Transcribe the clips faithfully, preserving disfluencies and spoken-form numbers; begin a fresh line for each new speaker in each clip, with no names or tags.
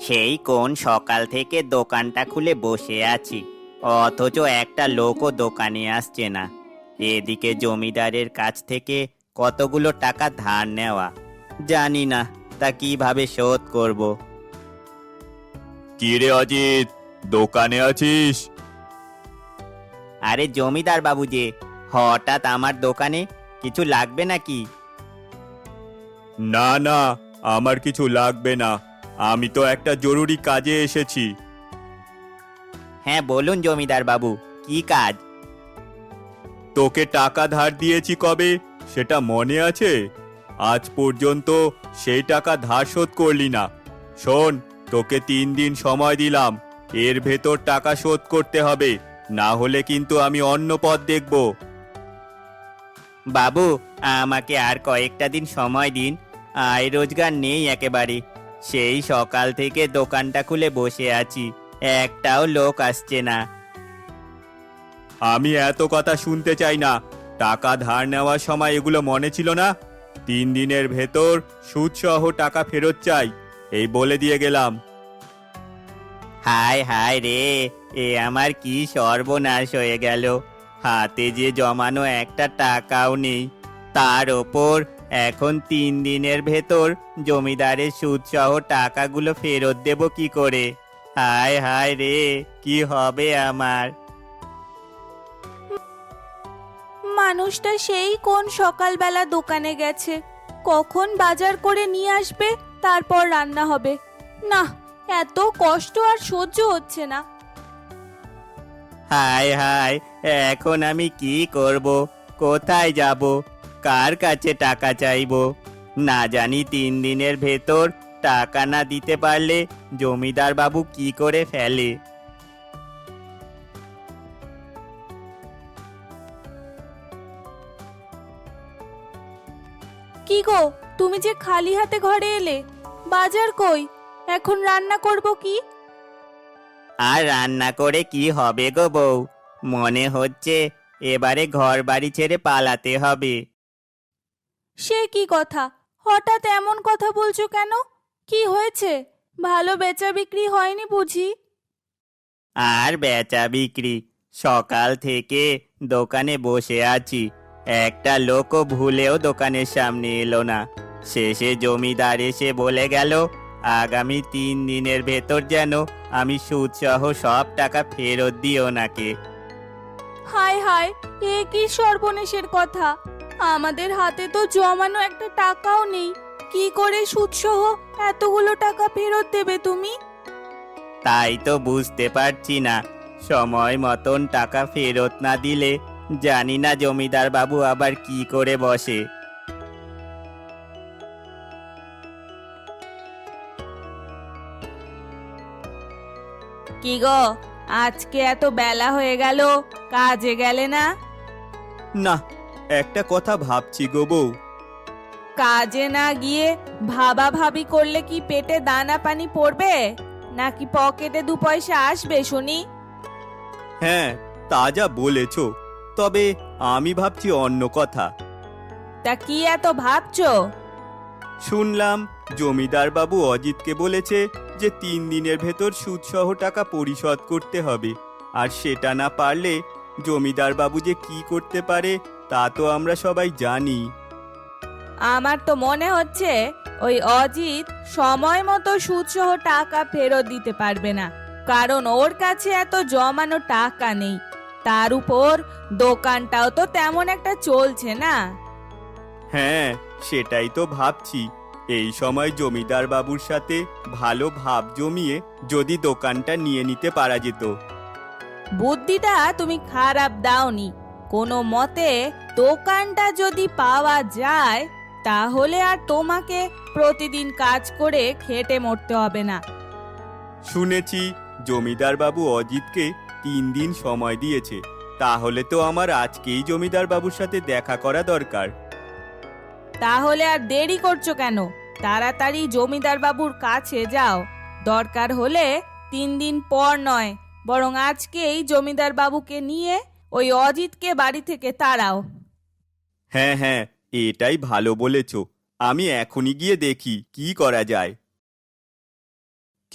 সেই কোন সকাল থেকে দোকানটা খুলে বসে আছি, অথচ একটা লোকও দোকানে আসছে না। এদিকে জমিদারের কাছ থেকে কতগুলো টাকা ধার নেওয়া, জানি না তা কিভাবে শোধ করব।
কি রে অজিত, দোকানে আছিস?
আরে জমিদার বাবু যে, হঠাৎ আমার দোকানে কিছু লাগবে নাকি?
না না, আমার কিছু লাগবে না, আমি তো একটা জরুরি কাজে এসেছি।
হ্যাঁ বলুন জমিদার বাবু, কি কাজ?
তোকে টাকা ধার দিয়েছি কবে, সেটা মনে আছে? আজ পর্যন্ত সেই টাকা ধার শোধ করলি না। শোন, তোকে তিন দিন সময় দিলাম, এর ভেতর টাকা শোধ করতে হবে, না হলে কিন্তু আমি অন্য পথ দেখব।
বাবু, আমাকে আর কয়েকটা দিন সময় দিন, আয় রোজগার নেই একেবারে। সেই সকাল থেকে দোকানটা খুলে বসে আছি, একটাও লোক আসছে না।
আমি এত কথা শুনতে চাই না। টাকা ধার নেওয়ার সময় এগুলো মনে ছিল না? তিন দিনের ভেতর সুদসহ টাকা ফেরত চাই, এই বলে দিয়ে গেলাম।
হায় হায় রে, এ আমার কি সর্বনাশ হয়ে গেল। হাতে যে জমানো একটা টাকাও নেই, তার ওপর এখন তিন দিনের ভেতর জমিদারের সুদসহ টাকাগুলো ফেরত দেব কি করে? হায় হায় রে, কি হবে আমার?
মানুষটা সেই কোন সকালবেলা দোকানে গেছে, কখন বাজার করে নিয়ে আসবে, তারপর রান্না হবে। না, এত কষ্ট আর সহ্য হচ্ছে না।
হায় হায়, এখন আমি কি করব? কোথায় যাব? কার কাছে টাকা চাইবো? না জানি তিন দিনের ভেতর টাকা না দিতে পারলে জমিদার বাবু কি করে ফেলে।
কি গো, তুমি যে খালি হাতে ঘরে এলে, বাজার কই? এখন রান্না করব কি?
আর রান্না করে কি হবে গো বউ? মনে হচ্ছে এবারে ঘর বাড়ি ছেড়ে পালাতে হবে।
সে কি কথা? হঠাৎ এমন কথা বলছো কেন? কি হয়েছে? ভালো বেচা বিক্রি হয়নি বুঝি?
আর বেচা বিক্রি, সকাল থেকে দোকানে বসে আছি, একটা লোকও ভুলেও দোকানের সামনে এলো না। শেষে জমিদার এসে বলে গেল আগামী তিন দিনের ভেতর যেন আমি সুদসহ সব টাকা ফেরত দিই ওনাকে।
হায় হায়, এ কি সর্বনেশের কথা! আমাদের হাতে তো জমানো একটা টাকাও নেই, কি করে সুদসহ এতগুলো টাকা ফেরত দেবে তুমি?
তাই তো বুঝতে পারছি না, সময় মতন টাকা ফেরত না দিলে জানি না জমিদার বাবু আবার কি করে বসে।
কি গো, আজকে এত বেলা হয়ে গেল, কাজে গেলে না?
না, একটা কথা ভাবছি গো বউ।
কাজে না গিয়ে ভাবা ভাবি করলে কি পেটে দানা পানি পড়বে, নাকি পকেটে দু পয়সা আসবে শুনি?
হ্যাঁ, তা যা বলেছ, তবে আমি ভাবছি অন্য কথা।
তা কি এত ভাবছো?
শুনলাম জমিদার বাবু অজিতকে বলেছে যে তিন দিনের ভেতর সুদসহ টাকা পরিশোধ করতে হবে, আর সেটা না পারলে জমিদার বাবু যে কি করতে পারে তা তো আমরা সবাই জানি।
আমার তো মনে হচ্ছে ওই অজিত সময় মতো সুদসহ টাকা ফেরত দিতে পারবে না, কারণ ওর কাছে এত জমানো টাকা নেই। তার উপর দোকানটাও তো তেমন একটা চলছে না।
হ্যাঁ, সেটাই তো ভাবছি। এই সময় জমিদার বাবুর সাথে ভালো ভাব জমিয়ে যদি দোকানটা নিয়ে নিতে পারা যেত।
বুদ্ধিটা তুমি খারাপ দাওনি। কোনো মতে দোকানটা যদি পাওয়া যায়, তাহলে আর তোমাকে প্রতিদিন কাজ করে খেটে মরতে হবে না।
শুনেছি জমিদার বাবু অজিতকে তিন দিন সময় দিয়েছে, তাহলে তো আমার আজকেই জমিদার বাবুর সাথে দেখা করা দরকার।
তাহলে আর দেরি করছো কেন? তাড়াতাড়ি জমিদার বাবুর কাছে যাও। দরকার হলে তিন দিন পর নয়, বরং আজকেই জমিদার বাবুকে নিয়ে ওই অজিতকে বাড়ি থেকে তাড়াও।
হ্যাঁ হ্যাঁ, এটাই ভালো বলেছ। আমি এখনই গিয়ে দেখি কি করা যায়।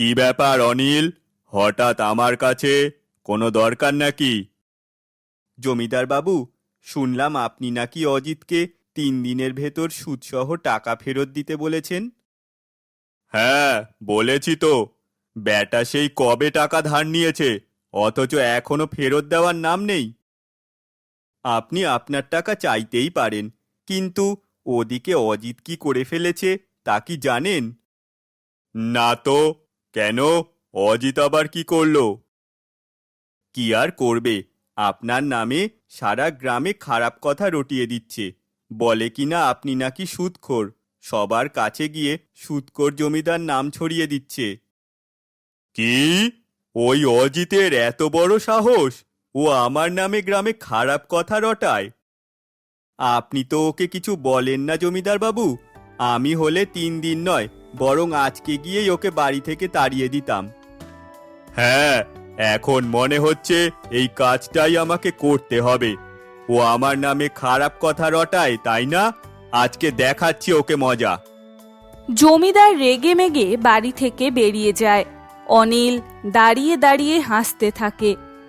কি ব্যাপার অনিল, হঠাৎ আমার কাছে? কোনো দরকার নাকি? জমিদার বাবু, শুনলাম আপনি নাকি অজিতকে তিন দিনের ভেতর সুদসহ টাকা ফেরত দিতে বলেছেন। হ্যাঁ, বলেছি তো। ব্যাটা সেই কবে টাকা ধার নিয়েছে, অথচ এখনো ফেরত দেওয়ার নাম নেই। আপনি আপনার টাকা চাইতেই পারেন, কিন্তু ওদিকে অজিত কি করে ফেলেছে তা কি জানেন? না তো। কেন, অজিত আবার কি করলো? কি আর করবে, আপনার নামে সারা গ্রামে খারাপ কথা রটিয়ে দিচ্ছে। বলে কিনা আপনি নাকি সুদখোর, সবার কাছে গিয়ে সুদখোর জমিদার নাম ছড়িয়ে দিচ্ছে। কি? ওই অজিতের এত বড় সাহস? ও আমার নামে গ্রামে খারাপ কথা রটায়? আপনি তো ওকে কিছু বলেন না জমিদার বাবু। আমি হলে তিন দিন নয়, বরং আজকে গিয়েই ওকে বাড়ি থেকে তাড়িয়ে দিতাম। হ্যাঁ, এখন মনে হচ্ছে এই কাজটাই আমাকে করতে হবে। ও আমার নামে খারাপ কথা রটায়, তাই না? আজকে দেখাচ্ছি ওকে মজা।
জমিদার রেগে মেগে বাড়ি থেকে বেরিয়ে যায়। অনিল দাঁড়িয়ে দাঁড়িয়ে হাসতে থাকে।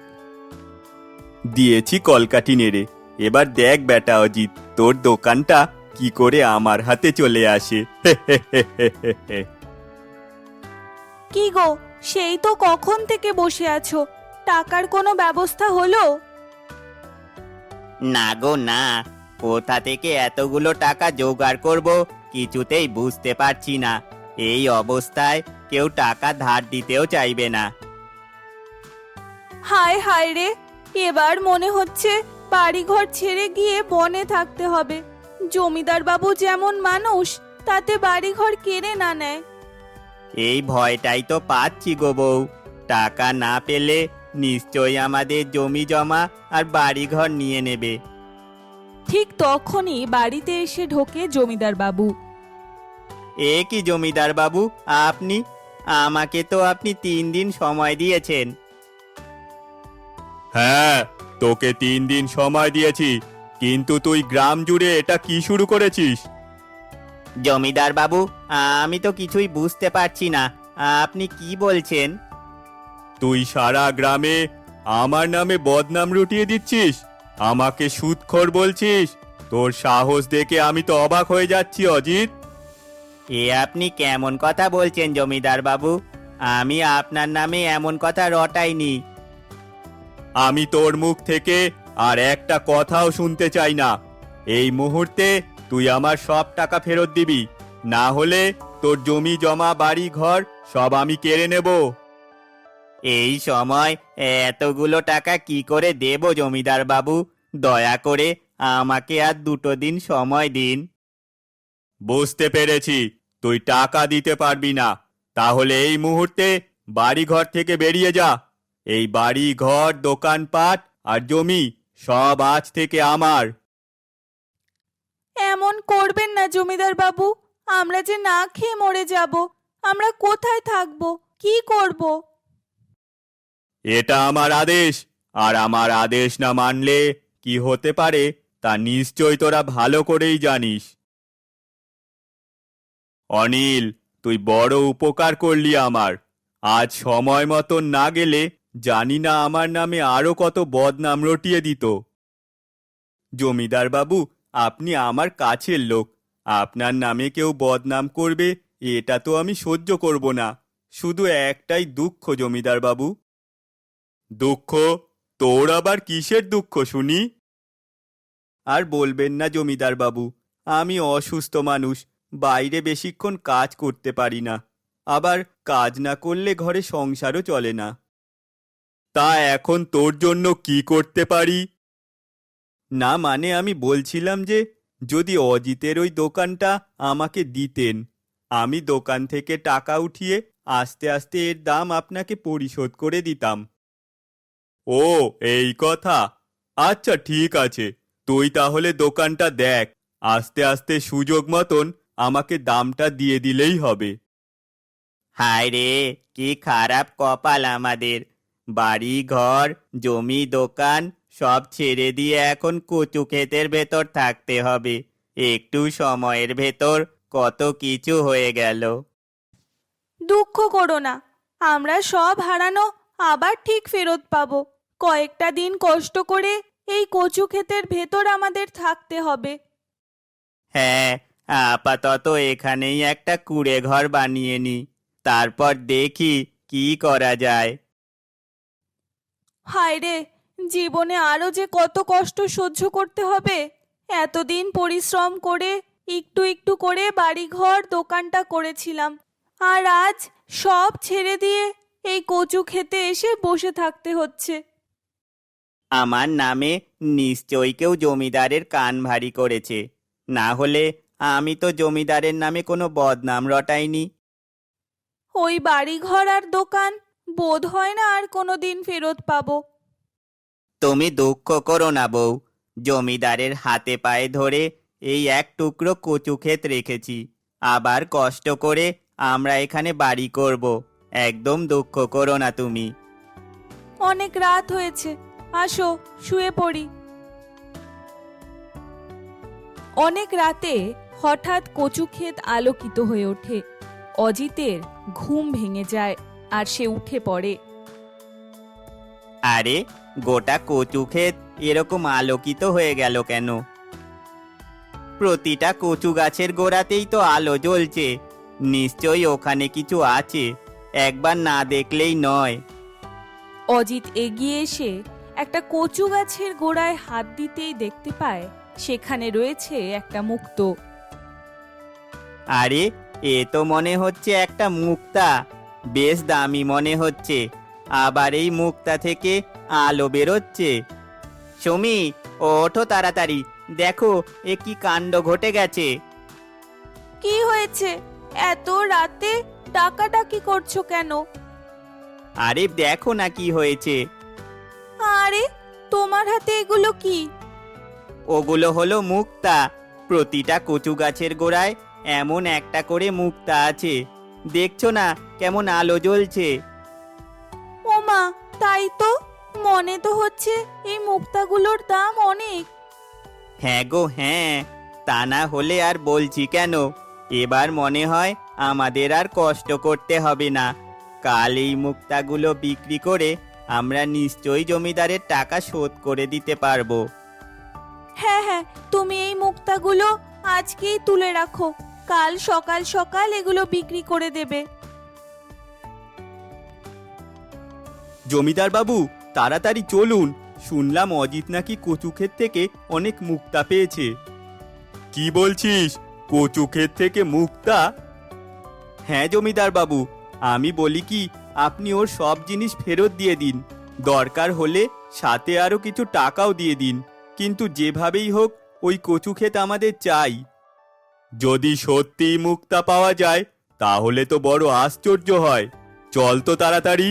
দিয়েছি কলকাঠি নেড়ে। এবার দেখ বেটা অজিত, তোর দোকানটা কি করে আমার হাতে চলে আসে।
কি গো, সেই তো কখন থেকে বসে আছো, টাকার কোনো ব্যবস্থা হলো?
না গো না, কোথা থেকে এতগুলো টাকা জোগাড় করব কিছুতেই বুঝতে পারছি না। এই অবস্থায় কেউ টাকা ধার দিতেও চাইবে না।
হায় হায় রে, এবার মনে হচ্ছে বাড়িঘর ছেড়ে গিয়ে বনে থাকতে হবে। জমিদার বাবু যেমন মানুষ, তাতে বাড়িঘর কেড়ে না নেয়।
এই ভয়টাই তো পাচ্ছি গো বউ। টাকা না পেলে নিশ্চয়ই আমাদের জমি জমা আর বাড়িঘর নিয়ে নেবে।
ঠিক তখনই বাড়িতে এসে ঢোকে জমিদার বাবু।
এ কি জমিদার বাবু, আপনি? আমাকে তো আপনি তিন দিন সময় দিয়েছেন।
হ্যাঁ, তোকে তিন দিন সময় দিয়েছি, কিন্তু তুই গ্রাম জুড়ে এটা কি শুরু করেছিস?
জমিদার বাবু, আমি তো কিছুই বুঝতে পারছি না, আপনি কি বলছেন?
তুই সারা গ্রামে আমার নামে বদনাম রটিয়ে দিচ্ছিস, আমাকে সুদখোর বলছিস। তোর সাহস দেখে আমি তো অবাক হয়ে যাচ্ছি অজিত।
এ আপনি কেমন কথা বলছেন জমিদার বাবু? আমি আপনার নামে এমন কথা রটাইনি।
আমি তোর মুখ থেকে আর একটা কথাও শুনতে চাই না। এই মুহূর্তে তুই আমার সব টাকা ফেরত দিবি, না হলে তোর জমি জমা বাড়ি ঘর সব আমি কেড়ে নেব।
এই সময় এতগুলো টাকা কি করে দেব জমিদার বাবু? দয়া করে আমাকে আর দুটো দিন সময় দিন।
বুঝতে পেরেছি, তুই টাকা দিতে পারবি না। তাহলে এই মুহূর্তে বাড়ি ঘর থেকে বেরিয়ে যা। এই বাড়ি ঘর, দোকানপাট আর জমি সব আজ থেকে আমার।
এমন করবেন না জমিদার বাবু, আমরা যে না খেয়ে মরে যাব। আমরা কোথায় থাকবো, কি করব?
এটা আমার আদেশ, আর আমার আদেশ না মানলে কি হতে পারে তা নিশ্চয় তোরা ভালো করেই জানিস। অনিল, তুই বড় উপকার করলি আমার। আজ সময় মতন না গেলে জানি না আমার নামে আরো কত বদনাম রটিয়ে দিত। জমিদার বাবু, আপনি আমার কাছের লোক। আপনার নামে কেউ বদনাম করবে, এটা তো আমি সহ্য করব না। শুধু একটাই দুঃখ জমিদার বাবু। দুঃখ? তোর আবার কিসের দুঃখ শুনি? আর বলবেন না জমিদার বাবু, আমি অসুস্থ মানুষ, বাইরে বেশিক্ষণ কাজ করতে পারি না। আবার কাজ না করলে ঘরে সংসারও চলে না। তা এখন তোর জন্য কি করতে পারি? না মানে আমি বলছিলাম যে, যদি অজিতের ওই দোকানটা আমাকে দিতেন, আমি দোকান থেকে টাকা উঠিয়ে আস্তে আস্তে এর দাম আপনাকে পরিশোধ করে দিতাম। ও, এই কথা। আচ্ছা ঠিক আছে, তুই তাহলে দোকানটা দেখ, আস্তে আস্তে সুযোগ মতন আমাকে দামটা দিয়ে দিলেই হবে।
হায় রে, কি খারাপ কপাল আমাদের। বাড়ি ঘর, জমি, দোকান সব ছেড়ে দিয়ে এখন কচু ক্ষেতের ভেতর থাকতে হবে। একটু সময়ের ভেতর কত কিছু হয়ে গেল।
দুঃখ করো না, আমরা সব হারানো আবার ঠিক ফেরত পাবো। কয়েকটা দিন কষ্ট করে এই কচু ক্ষেতের ভেতর আমাদের থাকতে হবে।
হ্যাঁ, আপাতত এখানেই একটা কুঁড়ে ঘর বানিয়ে নি, তারপর দেখি কি করা যায়।
হায় রে, জীবনে আরো যে কত কষ্ট সহ্য করতে হবে। এতদিন পরিশ্রম করে একটু একটু করে বাড়িঘর দোকানটা করেছিলাম, আর আজ সব ছেড়ে দিয়ে এই কচু খেতে এসে বসে থাকতে হচ্ছে।
আমার নামে নিশ্চয়ই কেউ জমিদারের কান ভারী করেছে, না হলে আমি তো জমিদারের নামে কোনো বদনাম রটাইনি।
ওই বাড়িঘর আর দোকান বোধ হয় না আর কোনোদিন ফেরত পাবো।
তুমি দুঃখ করো না বউ, জমিদারের হাতে পায়ে ধরে এই এক টুকরো কচু ক্ষেত রেখেছি, আবার কষ্ট করে আমরা এখানে বাড়ি করব। একদম দুঃখ করো না তুমি।
অনেক রাত হয়েছে, আসো শুয়ে পড়ি। অনেক রাতে হঠাৎ কচু ক্ষেত আলোকিত হয়ে ওঠে। অজিতের ঘুম ভেঙে যায় আর সে উঠে পড়ে।
আরে, গোটা কচু ক্ষেত এরকম আলোকিত হয়ে গেল কেন? প্রতিটা কচু গাছের গোড়াতেই তো আলো জ্বলছে, নিশ্চয়ই ওখানে কিছু আছে, একবার না দেখলেই নয়।
অজিত এগিয়ে এসে একটা কচু গাছের গোড়ায় হাত দিতেই দেখতে পায় সেখানে রয়েছে একটা মুক্ত।
আরে, এ তো মনে হচ্ছে একটা মুক্তা, বেশ দামি মনে হচ্ছে, আবার এই মুক্তা থেকে আলো বেরোচ্ছে। সুমি, ওঠো তাড়াতাড়ি, দেখো এ কি কাণ্ড ঘটে গেছে।
কি হয়েছে? এত রাতে ডাকাডাকি করছো কেন?
আরে দেখো না কি হয়েছে।
আরে, তোমার হাতে এগুলো কি?
ওগুলো হলো মুক্তা, প্রতিটা কচু গাছের গোড়ায় এমন একটা করে মুক্তা আছে, দেখছো না কেমন আলো জ্বলছে?
ওমা, তাই তো, মনে তো হচ্ছে এই মুক্তাগুলোর দাম অনেক।
হ্যাঁ গো হ্যাঁ, তা না হলে আর বলছি কেন, এবার মনে হয় আমাদের আর কষ্ট করতে হবে না। কাল এই মুক্তাগুলো বিক্রি করে আমরা নিশ্চয়ই জমিদারের টাকা শোধ করে দিতে পারবো।
হ্যাঁ হ্যাঁ, তুমি এই মুক্তাগুলো আজকেই তুলে রাখো, কাল সকাল সকাল এগুলো বিক্রি করে দেবে।
জমিদার বাবু, তাড়াতাড়ি চলুন, শুনলাম অজিত নাকি কচু ক্ষেত থেকে অনেক মুক্তা পেয়েছে। কি বলছিস, কচু ক্ষেত থেকে মুক্তা? হ্যাঁ জমিদার বাবু, আমি বলি কি, আপনি ওর সব জিনিস ফেরত দিয়ে দিন, দরকার হলে সাথে আরো কিছু টাকাও দিয়ে দিন, কিন্তু যেভাবেই হোক ওই কচু ক্ষেত আমাদের চাই। যদি সত্যি মুক্তা পাওয়া যায় তাহলে তো বড় আশ্চর্য হয়, চল তো তাড়াতাড়ি।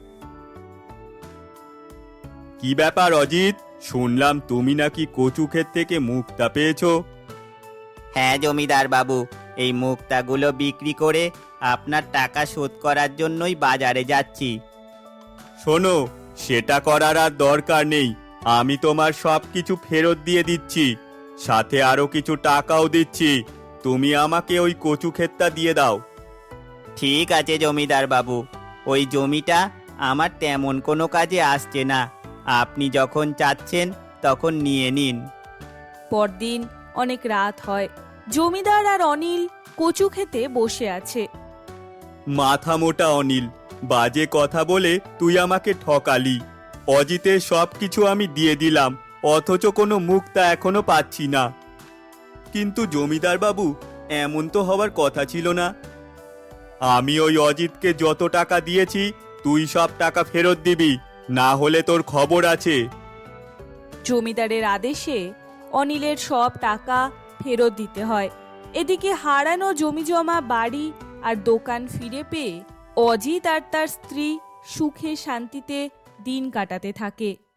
কি ব্যাপার অজিত, শুনলাম তুমি নাকি কচু ক্ষেত থেকে মুক্তা পেয়েছো?
হ্যাঁ জমিদার বাবু, এই মুক্তাগুলো বিক্রি করে আপনার টাকা শোধ করার জন্যই বাজারে যাচ্ছি।
শোনো, সেটা করার আর দরকার নেই, আমি তোমার সব কিছু ফেরত দিয়ে দিচ্ছি, সাথে আরো কিছু টাকাও দিচ্ছি, তুমি আমাকে ওই কচু ক্ষেতটা দিয়ে দাও।
ঠিক আছে জমিদার বাবু, ওই জমিটা আমার তেমন কোনো কাজে আসছে না, আপনি যখন চাচ্ছেন তখন নিয়ে নিন।
পরদিন অনেক রাত হয়। জমিদার আর অনিল কচু খেতে বসে আছে।
মাথা মোটা অনিল, বাজে কথা বলে তুই আমাকে ঠকালি। অজিতের সব কিছু আমি দিয়ে দিলাম, অথচ কোনো মুক্তা এখনো পাচ্ছি না। কিন্তু জমিদার বাবু, এমন তো হওয়ার কথা ছিল না। আমি ওই অজিতকে যত টাকা দিয়েছি তুই সব টাকা ফেরত দিবি, না হলে তোর খবর আছে।
জমিদারের আদেশে অনিলের সব টাকা ফেরত দিতে হয়। এদিকে হারানো জমিজমা বাড়ি আর দোকান ফিরে পেয়ে অজিত আর তার স্ত্রী সুখে শান্তিতে দিন কাটাতে থাকে।